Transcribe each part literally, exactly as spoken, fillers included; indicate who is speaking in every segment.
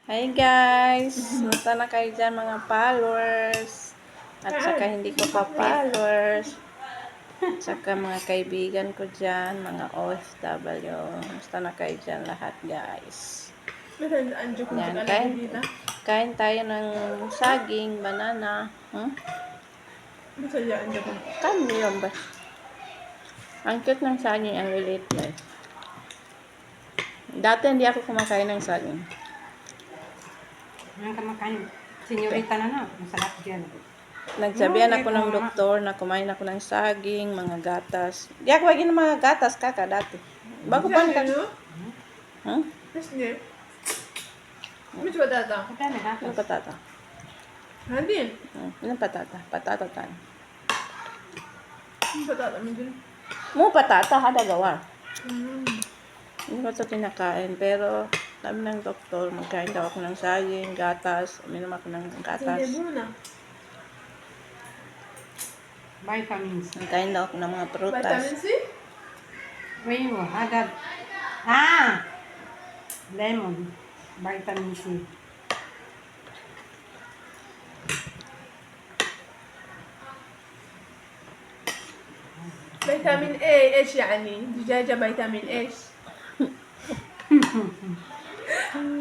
Speaker 1: Hi guys! Musta na kayo dyan mga followers? At saka hindi ko pa followers. At saka mga kaibigan ko dyan, mga O F W. Musta na kayo dyan lahat guys? Yan, kain, kain tayo ng saging, banana. Hmm? Kami yun ba? Ang cute ng saging, ang lilit guys. Dati hindi ako kumakain ng saging.
Speaker 2: Ang kamakain, senyorita na na, masarap dyan.
Speaker 1: Nagsabihan ako ng doktor na kumain ako ng saging, mga gatas. Di ako lagi ng mga gatas, kaka, dati. Bago pa ka. Huh?
Speaker 3: Hindi. Mas patata.
Speaker 2: Patay na
Speaker 1: Ano
Speaker 2: gatas.
Speaker 1: patata?
Speaker 3: Hindi.
Speaker 1: Hmm, ano patata? Patata tayo.
Speaker 3: Ang patata mo din.
Speaker 1: Mo patata, hada gawa.
Speaker 3: Mm.
Speaker 1: Hindi ko ito kinakain, pero sabi ng doktor, magkain daw ako ng saging, gatas, uminom ako ng
Speaker 3: Sige
Speaker 1: gatas.
Speaker 3: muna.
Speaker 2: Vitamins.
Speaker 1: Magkain daw ako ng mga prutas.
Speaker 3: Vitamin C?
Speaker 2: Rainbow, agad. Ah! Lemon. Vitamin C.
Speaker 3: فيتامين A ايش يعني؟ دجاجة فيتامين ايش؟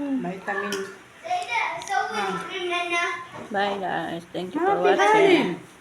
Speaker 2: Vitamin.
Speaker 4: سوي لنا
Speaker 1: Bye guys. Thank you for
Speaker 2: Happy
Speaker 1: watching.
Speaker 2: Halloween!